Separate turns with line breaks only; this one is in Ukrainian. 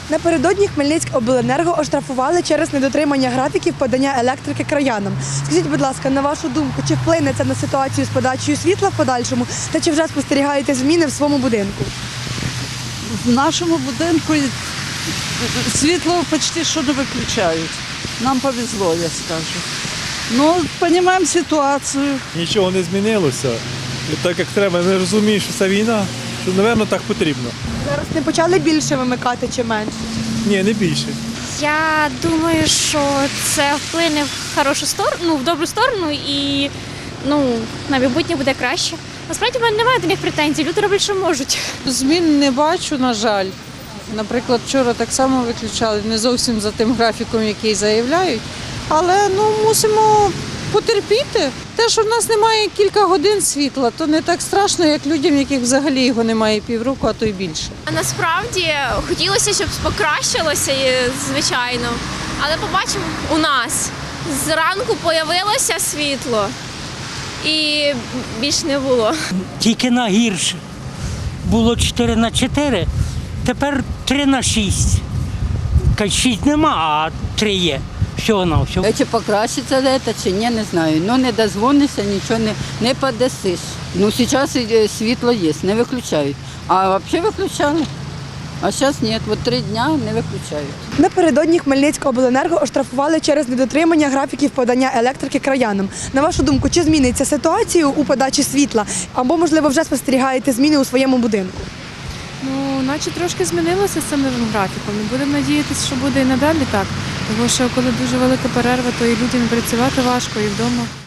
Напередодні Хмельницькобленерго оштрафували через недотримання графіків подання електрики краянам. Скажіть, будь ласка, на вашу думку, чи вплине це на ситуацію з подачею світла в подальшому, та чи вже спостерігаєте зміни в своєму будинку?
В нашому будинку світло почти що не виключають. Нам повезло, я скажу. Ну, розуміємо ситуацію.
Нічого не змінилося. І так як треба, не розумію, що це війна, що, напевно, так потрібно.
Зараз не почали більше вимикати чи менше?
Ні, не більше.
Я думаю, що це вплине в хорошу сторону, в добру сторону і на майбутнє буде краще. Насправді в мене немає до них претензій, люди роблять, що можуть.
Змін не бачу, на жаль. Наприклад, вчора так само виключали, не зовсім за тим графіком, який заявляють. Але мусимо потерпіти. Те, що в нас немає кілька годин світла, то не так страшно, як людям, яких взагалі його немає півроку, а то й більше.
А насправді хотілося, щоб покращилося, звичайно. Але побачимо, у нас зранку з'явилося світло і більш не було.
Тільки на гірше. Було 4/4, тепер 3/6. 6 нема, а 3 є. Всього на все.
Чи покращиться це, чи ні, не знаю. Ну не дозвонишся, нічого не подасиш. Ну зараз світло є, не виключають. А взагалі виключали. А зараз ні, от 3 дні не виключають.
Напередодні Хмельницькобленерго оштрафували через недотримання графіків подання електрики краянам. На вашу думку, чи зміниться ситуація у подачі світла? Або, можливо, вже спостерігаєте зміни у своєму будинку?
Наче трошки змінилося з самим графіком. І будемо надіятися, що буде і надалі так. Тому що коли дуже велика перерва, то і людям працювати важко, і вдома.